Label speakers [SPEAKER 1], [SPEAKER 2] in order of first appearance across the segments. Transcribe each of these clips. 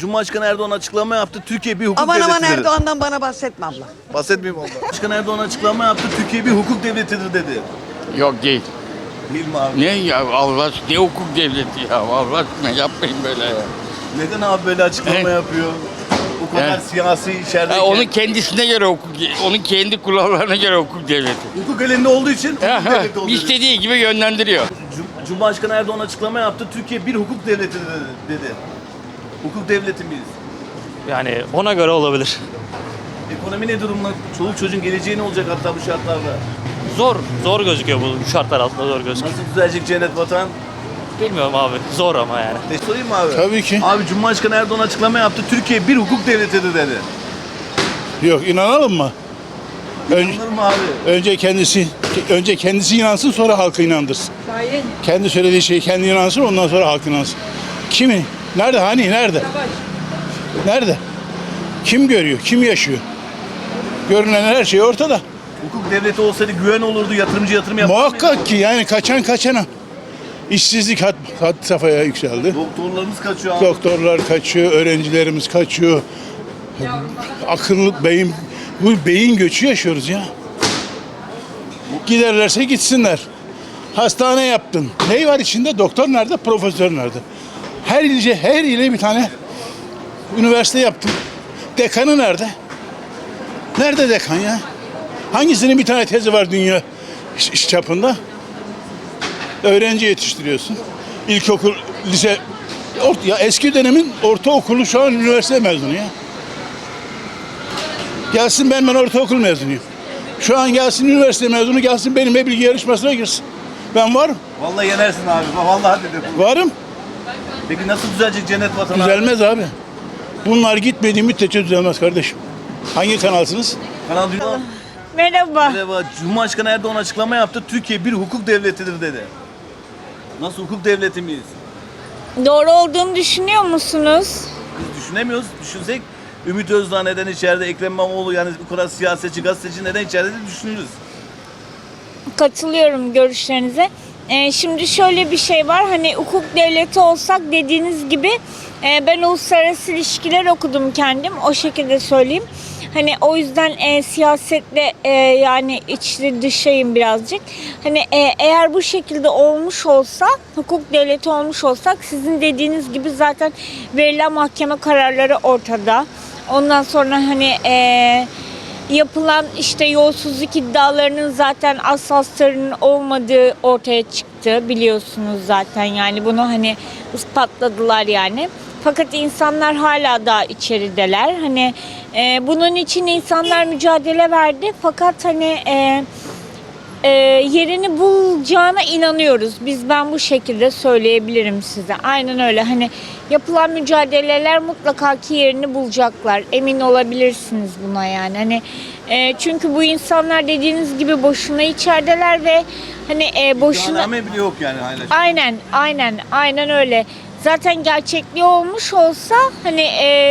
[SPEAKER 1] Cumhurbaşkanı Erdoğan açıklama yaptı. Türkiye bir hukuk
[SPEAKER 2] Aman
[SPEAKER 1] devletidir.
[SPEAKER 2] aman Erdoğan'dan bana bahsetme abla.
[SPEAKER 1] Bahsetmeyeyim abla. Cumhurbaşkanı Erdoğan açıklama yaptı. Türkiye bir hukuk devletidir dedi.
[SPEAKER 3] Yok değil.
[SPEAKER 1] Değil mi abi?
[SPEAKER 3] Ne ya Allah aşkına, ne hukuk devleti ya, Allah aşkına yapmayın böyle ya.
[SPEAKER 1] Neden abi böyle açıklama yapıyor? Bu kadar siyasi içerideki.
[SPEAKER 3] Onun kendisine göre hukuk, onun kendi kurallarına göre hukuk devleti.
[SPEAKER 1] Hukuk elinde olduğu için hukuk devleti oluyor.
[SPEAKER 3] İstediği gibi yönlendiriyor.
[SPEAKER 1] Cumhurbaşkanı Erdoğan açıklama yaptı. Türkiye bir hukuk devletidir dedi. Hukuk devleti miyiz?
[SPEAKER 4] Yani ona göre olabilir.
[SPEAKER 1] Ekonomi ne durumda? Çoluk çocuğun geleceği ne olacak hatta bu şartlarda?
[SPEAKER 4] Zor gözüküyor bu şartlar altında, zor gözüküyor.
[SPEAKER 1] Nasıl düzelecek cennet vatan?
[SPEAKER 4] Bilmiyorum abi, zor ama yani.
[SPEAKER 1] Sorayım mı abi?
[SPEAKER 5] Tabii ki.
[SPEAKER 1] Abi Cumhurbaşkanı Erdoğan açıklama yaptı. Türkiye bir hukuk devletidir dedi.
[SPEAKER 5] Yok, inanalım mı?
[SPEAKER 1] İnanılır mı abi?
[SPEAKER 5] Önce kendisi inansın, sonra halkı inandırsın. Kendi söylediği şey kendi inansın, ondan sonra halk inansın. Kimi? Nerede? Hani? Nerede? Nerede? Kim görüyor? Kim yaşıyor? Görünen her şey ortada.
[SPEAKER 1] Hukuk devleti olsaydı güven olurdu, yatırımcı yatırım yapar mıydı?
[SPEAKER 5] Muhakkak ki yani kaçan kaçana. İşsizlik had safhaya yükseldi.
[SPEAKER 1] Doktorlarımız kaçıyor abi.
[SPEAKER 5] Doktorlar kaçıyor, öğrencilerimiz kaçıyor. Akıllı bu beyin göçü yaşıyoruz ya. Giderlerse gitsinler. Hastane yaptın. Ne var içinde? Doktor nerede? Profesör nerede? Her ile bir tane üniversite yaptın. Dekanı nerede? Nerede dekan ya? Hangisinin bir tane tezi var dünya çapında? Öğrenci yetiştiriyorsun. İlkokul, lise, ya eski dönemin ortaokulu şu an üniversite mezunu ya. Gelsin ben ortaokul mezunuyum. Şu an gelsin üniversite mezunu, gelsin benimle bilgi yarışmasına girsin. Ben varım.
[SPEAKER 1] Vallahi yenersin abi. Vallahi dedim.
[SPEAKER 5] Varım.
[SPEAKER 1] Peki nasıl düzelecek cennet vatan abi?
[SPEAKER 5] Düzelmez abi. Bunlar gitmediği müddetçe düzelmez kardeşim. Hangi kanalsınız?
[SPEAKER 1] Kanal Dünya.
[SPEAKER 6] Merhaba.
[SPEAKER 1] Merhaba. Cumhurbaşkanı Erdoğan açıklama yaptı. Türkiye bir hukuk devletidir dedi. Nasıl hukuk devleti miyiz?
[SPEAKER 6] Doğru olduğunu düşünüyor musunuz?
[SPEAKER 1] Biz düşünemiyoruz. Düşünsek Ümit Özdağ neden içeride, Ekrem İmamoğlu yani bu kadar siyasetçi, gazeteci neden içeride de düşünürüz.
[SPEAKER 6] Katılıyorum görüşlerinize. Şimdi şöyle bir şey var. Hani hukuk devleti olsak dediğiniz gibi ben uluslararası ilişkiler okudum kendim. O şekilde söyleyeyim. Hani o yüzden siyasetle yani içli dışayım birazcık. Hani eğer bu şekilde olmuş olsa, hukuk devleti olmuş olsak sizin dediğiniz gibi zaten verilen mahkeme kararları ortada. Ondan sonra hani yapılan işte yolsuzluk iddialarının zaten asaslarının olmadığı ortaya çıktı biliyorsunuz zaten yani bunu hani ispatladılar yani. Fakat insanlar hala daha içerideler. Hani bunun için insanlar mücadele verdi. Fakat hani yerini bulacağına inanıyoruz. Ben bu şekilde söyleyebilirim size. Aynen öyle. Hani yapılan mücadeleler mutlaka ki yerini bulacaklar. Emin olabilirsiniz buna yani. Hani çünkü bu insanlar dediğiniz gibi boşuna içerideler ve hani boşuna.
[SPEAKER 1] İddianame bile yok yani hala.
[SPEAKER 6] Aynen öyle. Zaten gerçekliği olmuş olsa hani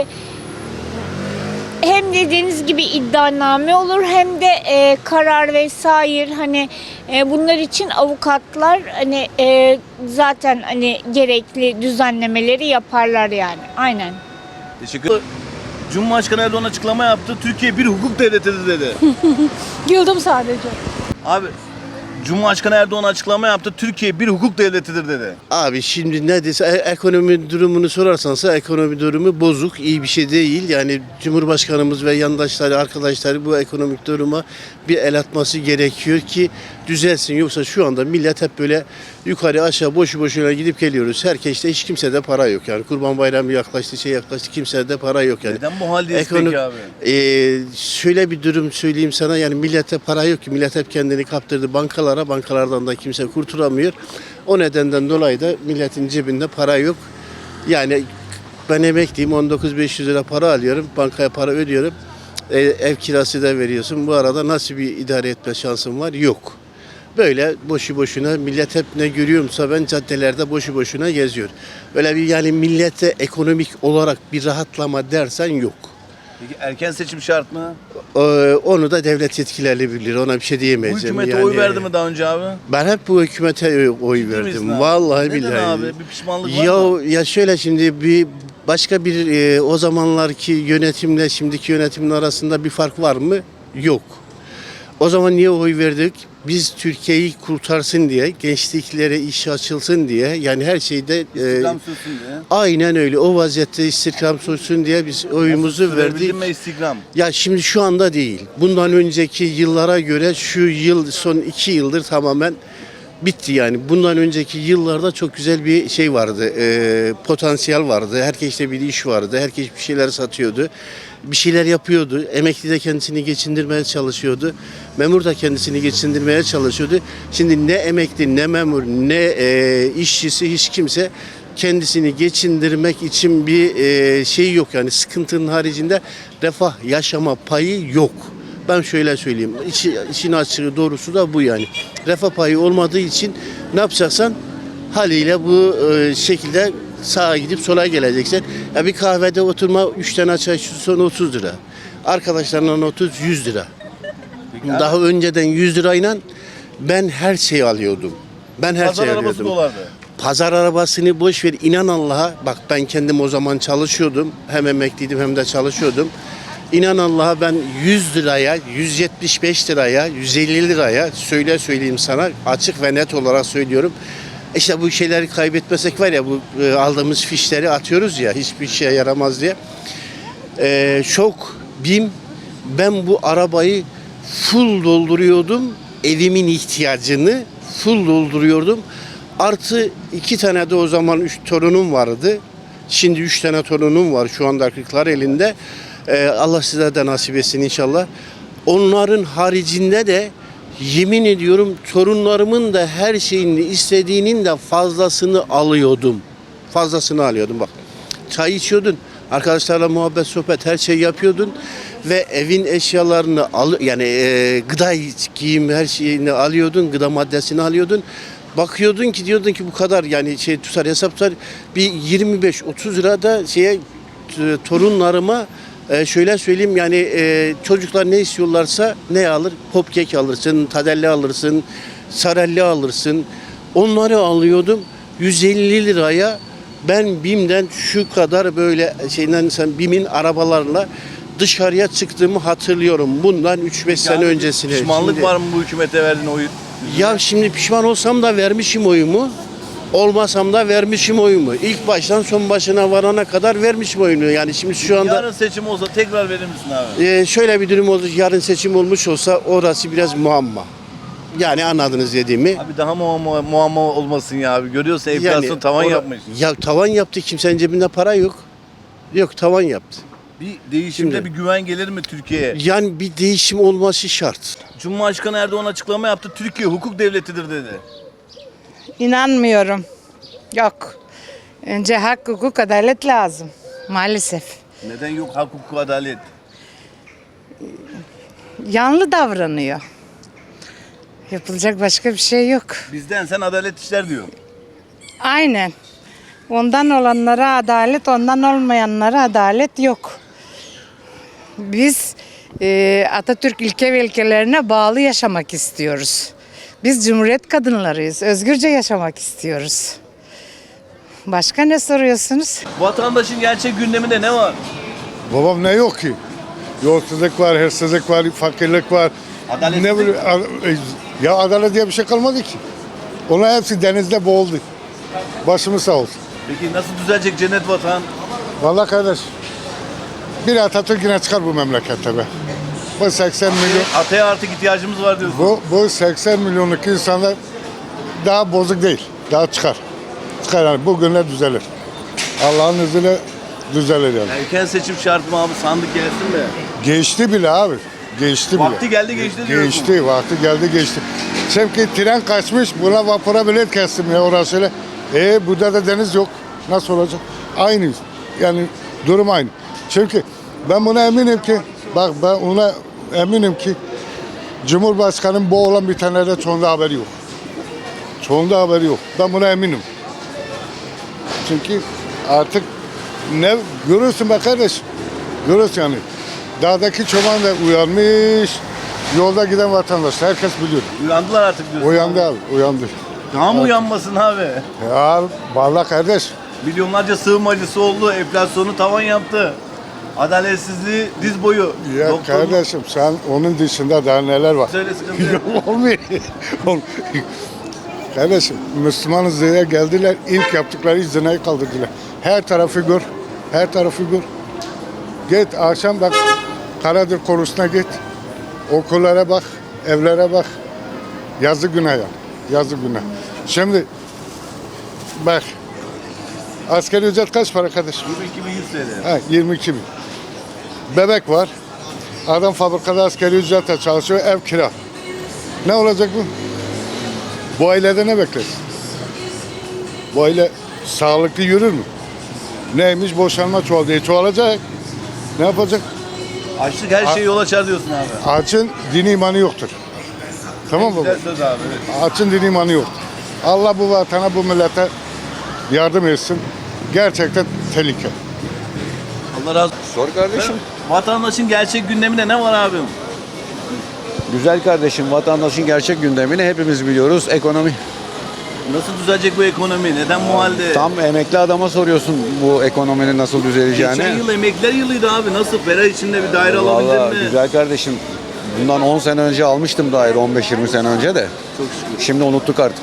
[SPEAKER 6] hem dediğiniz gibi iddianame olur hem de karar vesaire hani bunlar için avukatlar hani zaten hani gerekli düzenlemeleri yaparlar yani. Aynen.
[SPEAKER 1] Teşekkür ederim. Cumhurbaşkanı Erdoğan açıklama yaptı. Türkiye bir hukuk devletidir dedi.
[SPEAKER 6] Güldüm sadece.
[SPEAKER 1] Abi Cumhurbaşkanı Erdoğan açıklama yaptı. Türkiye bir hukuk devletidir dedi.
[SPEAKER 7] Abi şimdi neredeyse ekonomi durumunu sorarsansa ekonomi durumu bozuk, iyi bir şey değil. Yani Cumhurbaşkanımız ve yandaşları, arkadaşları bu ekonomik duruma bir el atması gerekiyor ki düzelsin. Yoksa şu anda millet hep böyle yukarı aşağı boşu boşuna gidip geliyoruz. Herkeste hiç kimsede para yok yani. Kurban Bayramı yaklaştı, kimsede para yok yani.
[SPEAKER 1] Neden bu haldeyiz peki abi?
[SPEAKER 7] Şöyle bir durum söyleyeyim sana yani millete para yok ki. Millet hep kendini kaptırdı bankalardan da kimse kurtulamıyor. O nedenden dolayı da milletin cebinde para yok. Yani ben emekliyim 19.500 lira para alıyorum. Bankaya para ödüyorum. Ev kirası da veriyorsun. Bu arada nasıl bir idare etme şansım var? Yok. Böyle boşu boşuna millet hep ne görüyorumsa ben caddelerde boşu boşuna geziyor. Böyle bir yani millete ekonomik olarak bir rahatlama dersen yok.
[SPEAKER 1] Peki erken seçim şart mı?
[SPEAKER 7] Onu da devlet yetkilileri bilir. Ona bir şey
[SPEAKER 1] Bu
[SPEAKER 7] diyemeyeceğim.
[SPEAKER 1] hükümete oy verdi mi daha önce abi?
[SPEAKER 7] Ben hep bu hükümete oy
[SPEAKER 1] Ciddi misin
[SPEAKER 7] verdim.
[SPEAKER 1] abi?
[SPEAKER 7] Vallahi
[SPEAKER 1] Neden
[SPEAKER 7] billahi.
[SPEAKER 1] abi? Bir pişmanlık var mı?
[SPEAKER 7] Ya şöyle şimdi Başka bir o zamanlarki yönetimle şimdiki yönetimin arasında bir fark var mı? Yok. O zaman niye oy verdik? Biz Türkiye'yi kurtarsın diye, gençliklere iş açılsın diye, yani her şeyde
[SPEAKER 1] İstihdam sürsün diye.
[SPEAKER 7] aynen öyle. O vaziyette istihdam sürsün diye biz oyumuzu verdik.
[SPEAKER 1] Sürebildin mi istihdam?
[SPEAKER 7] Ya şimdi şu anda değil. Bundan önceki yıllara göre şu yıl, son 2 yıldır tamamen bitti yani. Bundan önceki yıllarda çok güzel bir şey vardı. Potansiyel vardı. Herkeste bir iş vardı. Herkes bir şeyler satıyordu. Bir şeyler yapıyordu. Emekli de kendisini geçindirmeye çalışıyordu. Memur da kendisini geçindirmeye çalışıyordu. Şimdi ne emekli, ne memur, ne işçisi, hiç kimse kendisini geçindirmek için bir şey yok. Yani sıkıntının haricinde refah yaşama payı yok. Ben şöyle söyleyeyim. İşin açığı doğrusu da bu yani. Refah payı olmadığı için ne yapacaksan haliyle bu şekilde sağa gidip sola geleceksin. Ya bir kahvede oturma 3 tane çay son 30 lira. Arkadaşlarla 100 lira. Daha önceden 100 lirayla ben her şeyi alıyordum. Ben her
[SPEAKER 1] Pazar
[SPEAKER 7] şeyi
[SPEAKER 1] arabası
[SPEAKER 7] alıyordum.
[SPEAKER 1] dolardı.
[SPEAKER 7] Pazar arabasını boş ver, inan Allah'a. Bak ben kendim o zaman çalışıyordum. Hem emekliydim hem de çalışıyordum. İnan Allah'a ben 100 liraya, 175 liraya, 150 liraya söyleyeyim sana, açık ve net olarak söylüyorum. İşte bu şeyleri kaybetmesek var ya, bu aldığımız fişleri atıyoruz ya, hiçbir şeye yaramaz diye. Ben bu arabayı full dolduruyordum. Evimin ihtiyacını full dolduruyordum. Artı 2 tane de o zaman 3 torunum vardı. Şimdi 3 tane torunum var şu anda kırklar elinde. Allah size de nasip etsin inşallah. Onların haricinde de yemin ediyorum torunlarımın da her şeyini istediğinin de fazlasını alıyordum. Fazlasını alıyordum bak. Çay içiyordun, arkadaşlarla muhabbet, sohbet her şey yapıyordun ve evin eşyalarını gıda, giyim her şeyini alıyordun, gıda maddesini alıyordun. Bakıyordun ki diyordun ki bu kadar yani tutar hesap tutar bir 25-30 lira da torunlarıma şöyle söyleyeyim yani çocuklar ne istiyorlarsa ne alır? Popkek alırsın, tadelli alırsın, sarelli alırsın. Onları alıyordum 150 liraya. Ben BİM'den şu kadar böyle BİM'in arabalarla dışarıya çıktığımı hatırlıyorum. Bundan 3-5 sene öncesine.
[SPEAKER 1] Pişmanlık var mı bu hükümete verdiğin oyu?
[SPEAKER 7] Ya şimdi pişman olsam da vermişim oyumu. Olmasam da vermişim oyumu. İlk baştan son başına varana kadar vermişim oyumu. Yani şimdi şu anda
[SPEAKER 1] Yarın seçim olsa tekrar verir misin abi?
[SPEAKER 7] şöyle bir durum oldu. Yarın seçim olmuş olsa orası biraz muamma. Yani anladınız dediğimi.
[SPEAKER 1] Abi daha muamma olmasın ya abi. Görüyorsun enflasyon tavan yapmış.
[SPEAKER 7] Ya tavan yaptı. Kimsenin cebinde para yok. Yok, tavan yaptı.
[SPEAKER 1] Bir değişimde
[SPEAKER 7] Şimdi-
[SPEAKER 1] bir güven gelir mi Türkiye'ye?
[SPEAKER 7] Yani bir değişim olması şart.
[SPEAKER 1] Cumhurbaşkanı Erdoğan açıklama yaptı. Türkiye hukuk devletidir dedi.
[SPEAKER 2] İnanmıyorum. Yok. Önce hak, hukuk, adalet lazım. Maalesef.
[SPEAKER 1] Neden yok hak, hukuk, adalet?
[SPEAKER 2] Yanlı davranıyor. Yapılacak başka bir şey yok.
[SPEAKER 1] Bizden sen adalet işler diyor.
[SPEAKER 2] Aynen. Ondan olanlara adalet, ondan olmayanlara adalet yok. Biz Atatürk ilke ve ilkelerine bağlı yaşamak istiyoruz. Biz Cumhuriyet kadınlarıyız. Özgürce yaşamak istiyoruz. Başka ne soruyorsunuz?
[SPEAKER 1] Vatandaşın gerçek gündeminde ne var?
[SPEAKER 8] Babam ne yok ki? Yolsuzluk var, hırsızlık var, fakirlik var.
[SPEAKER 1] Adaletsizlik.
[SPEAKER 8] Ne bileyim, ya adalet diye bir şey kalmadı ki. Onlar hepsi denizde boğuldu. Başımız sağ olsun.
[SPEAKER 1] Peki nasıl düzelecek cennet vatan?
[SPEAKER 8] Vallahi kardeş, bir Atatürk yine çıkar bu memlekette be. Bu 80 milyon,
[SPEAKER 1] Ataya artık ihtiyacımız var diyorsun.
[SPEAKER 8] bu 80 milyonluk insanlar daha bozuk değil. Daha çıkar. Çıkar yani, bu günler düzelir. Allah'ın izniyle düzelir yani.
[SPEAKER 1] Erken seçim şart mı abi? Sandık gelsin de.
[SPEAKER 8] Geçti bile abi. Geçti bile.
[SPEAKER 1] Vakti geldi geçti diyorsun.
[SPEAKER 8] Geçti, vakti geldi geçti. Çünkü tren kaçmış, buna vapura bilet kestim ya orası öyle. Burada da deniz yok. Nasıl olacak? Aynı. Yani durum aynı. Çünkü ben buna eminim ki, bak ben ona eminim ki Cumhurbaşkanı'nın bu olan bitenlerde çoğunda haberi yok. Çoğunda haberi yok. Ben buna eminim. Çünkü artık ne görürsün be kardeş. Görürsün yani. Dağdaki çoban da uyanmış. Yolda giden vatandaş. Herkes biliyor.
[SPEAKER 1] Uyandılar artık diyorsun.
[SPEAKER 8] Uyandı abi. Uyandı.
[SPEAKER 1] Daha mı uyanmasın abi?
[SPEAKER 8] Ya vallahi kardeş.
[SPEAKER 1] Milyonlarca sığınmacısı oldu. Enflasyonu tavan yaptı. Adaletsizliği diz boyu.
[SPEAKER 8] Ya
[SPEAKER 1] Doktor-
[SPEAKER 8] kardeşim sen onun dışında daha neler var?
[SPEAKER 1] Söyle sıkıntı yok.
[SPEAKER 8] Olmuyor. Kardeşim Müslümanız diye geldiler, ilk yaptıkları zinayı kaldırdılar. Her tarafı gör, her tarafı gör. Git akşam bak, Karadır konusuna git. Okullara bak, evlere bak. Yazık günah ya, yazık günah. Şimdi bak, asgari ücret kaç para kardeşim?
[SPEAKER 1] 22.100 TL.
[SPEAKER 8] Ha, 22 bin. Bebek var. Adam fabrikada asgari ücretle çalışıyor, ev kira. Ne olacak bu? Bu ailede ne beklersin? Bu aile sağlıklı yürür mü? Neymiş? Boşanma çoğaldı. Çoğalacak. Ne yapacak?
[SPEAKER 1] Açlık her şeyi yol açar diyorsun abi.
[SPEAKER 8] Açın dini imanı yoktur. Tamam mı?
[SPEAKER 1] Güzel söz abi. Evet.
[SPEAKER 8] Açın dini imanı yoktur. Allah bu vatana, bu millete yardım etsin. Gerçekten tehlike.
[SPEAKER 1] Allah razı olsun.
[SPEAKER 9] Sor kardeşim.
[SPEAKER 1] Vatandaşın gerçek gündeminde ne var abim?
[SPEAKER 9] Güzel kardeşim, vatandaşın gerçek gündemini hepimiz biliyoruz. Ekonomi.
[SPEAKER 1] Nasıl düzelecek bu ekonomi? Neden bu halde?
[SPEAKER 9] Tam emekli adama soruyorsun bu ekonominin nasıl düzeleceğini.
[SPEAKER 1] Geçen yıl emekliler yılıydı abi. Nasıl? Ferah içinde bir daire alabildin
[SPEAKER 9] Vallahi
[SPEAKER 1] mi?
[SPEAKER 9] güzel kardeşim. Bundan 10 sene önce almıştım daire, 15-20 sene önce de.
[SPEAKER 1] Çok şükür.
[SPEAKER 9] Şimdi unuttuk artık.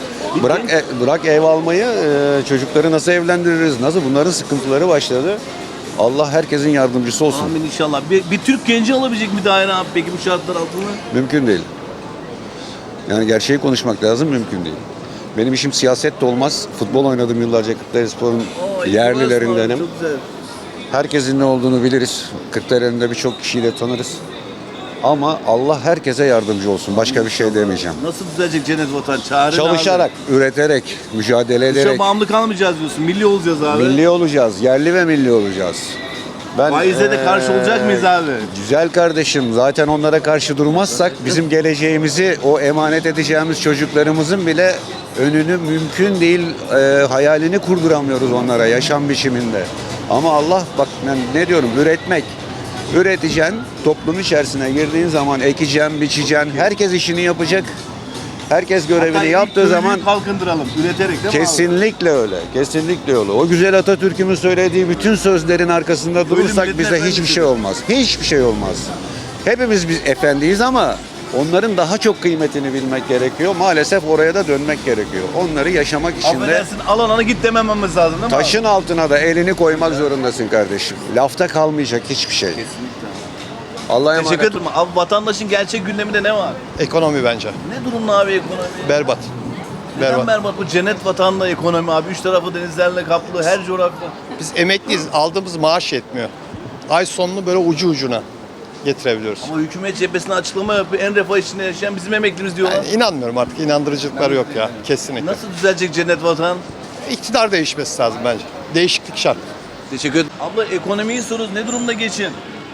[SPEAKER 9] Bırak ev almayı, çocukları nasıl evlendiririz, nasıl bunların sıkıntıları başladı. Allah herkesin yardımcısı olsun.
[SPEAKER 1] Amin inşallah. Bir Türk genci alabilecek mi daire abi peki bu şartlar altında?
[SPEAKER 9] Mümkün değil. Yani gerçeği konuşmak lazım, mümkün değil. Benim işim siyaset de olmaz. Futbol oynadım yıllarca Kırklarelispor'un yerlilerindenim.
[SPEAKER 1] Çok güzel.
[SPEAKER 9] Herkesin ne olduğunu biliriz. Kırklareli'nde birçok kişiyi de tanırız. Ama Allah herkese yardımcı olsun. Başka bir şey demeyeceğim.
[SPEAKER 1] Nasıl düzelecek cennet vatan? Çağrı ne
[SPEAKER 9] Çalışarak, üreterek, mücadele
[SPEAKER 1] abi? Dışa
[SPEAKER 9] ederek
[SPEAKER 1] bağımlı kalmayacağız diyorsun. Milli olacağız abi.
[SPEAKER 9] milli olacağız. Yerli ve milli olacağız.
[SPEAKER 1] Faize de karşı olacak mıyız abi?
[SPEAKER 9] Güzel kardeşim, zaten onlara karşı durmazsak bizim geleceğimizi, o emanet edeceğimiz çocuklarımızın bile önünü mümkün değil, hayalini kurduramıyoruz onlara yaşam biçiminde. Ama Allah bak ben ne diyorum, üreteceksin, toplum içerisine girdiğin zaman ekeceksin, biçeceksin, herkes işini yapacak. Herkes görevini
[SPEAKER 1] Hatta ilk
[SPEAKER 9] yaptığı
[SPEAKER 1] köylüyü
[SPEAKER 9] zaman
[SPEAKER 1] kalkındıralım, üreterek değil mi abi?
[SPEAKER 9] kesinlikle öyle. Kesinlikle öyle. O güzel Atatürk'ümün söylediği bütün sözlerin arkasında durursak
[SPEAKER 1] milletin
[SPEAKER 9] bize hiçbir
[SPEAKER 1] efendisi.
[SPEAKER 9] şey olmaz. Hiçbir şey olmaz. Hepimiz biz efendiyiz ama onların daha çok kıymetini bilmek gerekiyor. Maalesef oraya da dönmek gerekiyor. Onları yaşamak için de
[SPEAKER 1] Affedersin alana git demememiz lazım değil mi abi?
[SPEAKER 9] taşın altına da elini koymak zorundasın kardeşim. Lafta kalmayacak hiçbir şey. Allah'a emanet.
[SPEAKER 1] Teşekkür ederim. Abi vatandaşın gerçek gündeminde ne var?
[SPEAKER 10] Ekonomi bence.
[SPEAKER 1] Ne durumda abi ekonomi?
[SPEAKER 10] Berbat.
[SPEAKER 1] Neden berbat? Bu cennet vatanla ekonomi abi. Üç tarafı denizlerle kaplı her coğrafya.
[SPEAKER 10] Biz emekliyiz. Aldığımız maaş yetmiyor. Ay sonunu böyle ucu ucuna getirebiliyoruz.
[SPEAKER 1] Ama hükümet cephesine açıklama yapıyor. En refah içinde yaşayan bizim emeklimiz diyorlar.
[SPEAKER 10] Yani inanmıyorum artık. İnandırıcılıkları yok ya. Kesinlikle.
[SPEAKER 1] Nasıl düzelecek cennet vatan?
[SPEAKER 10] İktidar değişmesi lazım bence. Değişiklik şart.
[SPEAKER 1] Teşekkür ederim. Abla ekonomiyi soruyoruz. Ne durumda geçin?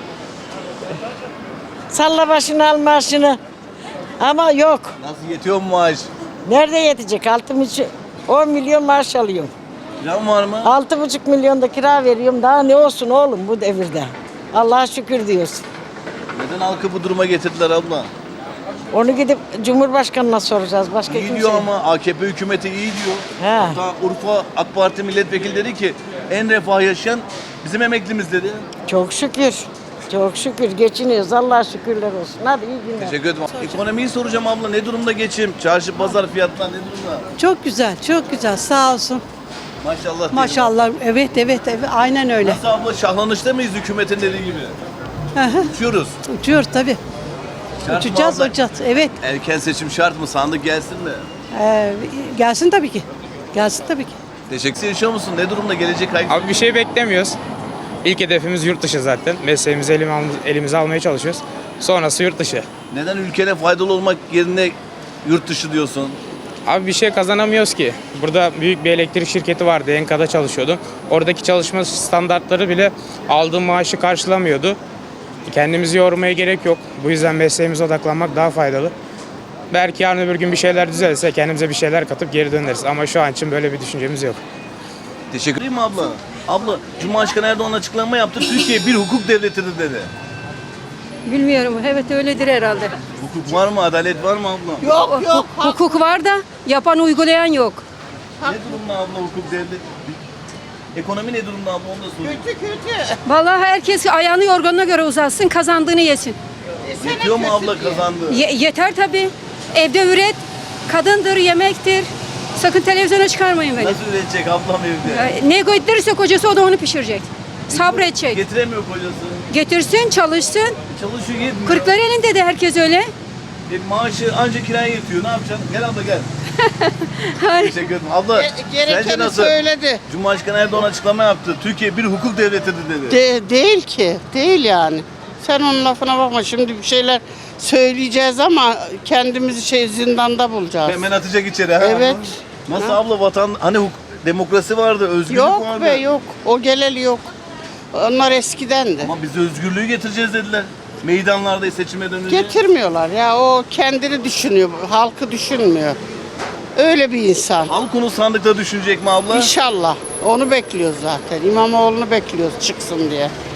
[SPEAKER 11] Salla başını al maaşını. Ama yok.
[SPEAKER 1] Nasıl yetiyor mu maaş?
[SPEAKER 11] Nerede yetecek? 10 milyon maaş alıyorum.
[SPEAKER 1] Plan var mı?
[SPEAKER 11] 6,5 milyon da kira veriyorum. Daha ne olsun oğlum bu devirde? Allah'a şükür diyorsun.
[SPEAKER 1] Neden halkı bu duruma getirdiler abla?
[SPEAKER 11] Onu gidip Cumhurbaşkanı'na soracağız. Başka
[SPEAKER 1] İyi
[SPEAKER 11] kimse.
[SPEAKER 1] diyor ama AKP hükümeti iyi diyor.
[SPEAKER 11] He.
[SPEAKER 1] Hatta Urfa AK Parti milletvekili dedi ki en refah yaşayan bizim emeklimiz dedi.
[SPEAKER 11] Çok şükür. Çok şükür geçiniyoruz. Allah'a şükürler olsun. Hadi iyi günler.
[SPEAKER 1] Teşekkür ederim. Ekonomiyi soracağım abla. Ne durumda geçim? Çarşı pazar fiyatlar ne durumda?
[SPEAKER 12] Çok güzel, çok güzel. Sağ olsun.
[SPEAKER 1] Maşallah. diyelim.
[SPEAKER 12] Maşallah. Evet, evet, evet. Aynen öyle.
[SPEAKER 1] Nasıl abla şahlanışta mıyız hükümetin dediği gibi? Uçuyoruz.
[SPEAKER 12] Uçuyor tabii.
[SPEAKER 1] Şart mı
[SPEAKER 12] Uçacağız,
[SPEAKER 1] abla?
[SPEAKER 12] uçacağız. Evet.
[SPEAKER 1] Erken seçim şart mı? Sandık gelsin mi?
[SPEAKER 12] Gelsin tabii ki. Gelsin tabii ki.
[SPEAKER 1] Teşekkür yaşıyor musun? Ne durumda gelecek ay?
[SPEAKER 13] Abi bir şey beklemiyoruz. İlk hedefimiz yurt dışı zaten. Mesleğimizi elimize almaya çalışıyoruz. Sonrası yurt dışı.
[SPEAKER 1] Neden ülkene faydalı olmak yerine yurt dışı diyorsun?
[SPEAKER 13] Abi bir şey kazanamıyoruz ki. Burada büyük bir elektrik şirketi vardı. Enka'da çalışıyordum. Oradaki çalışma standartları bile aldığım maaşı karşılamıyordu. Kendimizi yormaya gerek yok. Bu yüzden mesleğimize odaklanmak daha faydalı. Belki yarın öbür gün bir şeyler düzelirse kendimize bir şeyler katıp geri döneriz. Ama şu an için böyle bir düşüncemiz yok.
[SPEAKER 1] Teşekkür ederim abla. Abla, Cumhurbaşkanı Erdoğan açıklama yaptı. Türkiye bir hukuk devletidir dedi.
[SPEAKER 12] Bilmiyorum. Evet öyledir herhalde.
[SPEAKER 1] Hukuk var mı? Adalet var mı abla?
[SPEAKER 12] Yok. Hukuk var da yapan uygulayan yok.
[SPEAKER 1] Ne durumda abla hukuk devlet? Ekonomi ne durumda abla onu da sorayım.
[SPEAKER 12] Vallahi herkes ayağını yorganına göre uzatsın, kazandığını yesin.
[SPEAKER 1] Yetiyor mu abla kazandığı?
[SPEAKER 12] Yeter tabii. Evde üret, kadındır, yemektir. Sakın televizyona çıkarmayın beni.
[SPEAKER 1] Nasıl üretecek ablam evde?
[SPEAKER 12] Ne getirirse kocası o da onu pişirecek. Sabredecek.
[SPEAKER 1] Getiremiyor kocası.
[SPEAKER 12] Getirsin, çalışsın.
[SPEAKER 1] Çalışıyor yetmiyor.
[SPEAKER 12] Kırklar elinde de herkes öyle.
[SPEAKER 1] Maaşı anca kiraya yetiyor. Ne yapacaksın? Gel abla gel. Teşekkür ederim. Abla sence nasıl?
[SPEAKER 11] söyledi.
[SPEAKER 1] Cumhurbaşkanı Erdoğan açıklama yaptı. Türkiye bir hukuk devletidir dedi.
[SPEAKER 11] Değil ki. Değil yani. Sen onun lafına bakma. Şimdi bir şeyler söyleyeceğiz ama kendimizi zindanda bulacağız.
[SPEAKER 1] Hemen atacak içeri. Ha?
[SPEAKER 11] Evet.
[SPEAKER 1] Nasıl abla hani demokrasi vardı, özgürlük
[SPEAKER 11] Yok
[SPEAKER 1] vardı.
[SPEAKER 11] be yok. O geleli yok. Onlar eskidendi.
[SPEAKER 1] Ama biz özgürlüğü getireceğiz dediler. Meydanlarda seçime dönünce.
[SPEAKER 11] Getirmiyorlar ya. O kendini düşünüyor. Halkı düşünmüyor. Öyle bir insan.
[SPEAKER 1] Halk onu sandıkta düşünecek mi abla?
[SPEAKER 11] İnşallah. Onu bekliyoruz zaten. İmamoğlu'nu bekliyoruz çıksın diye.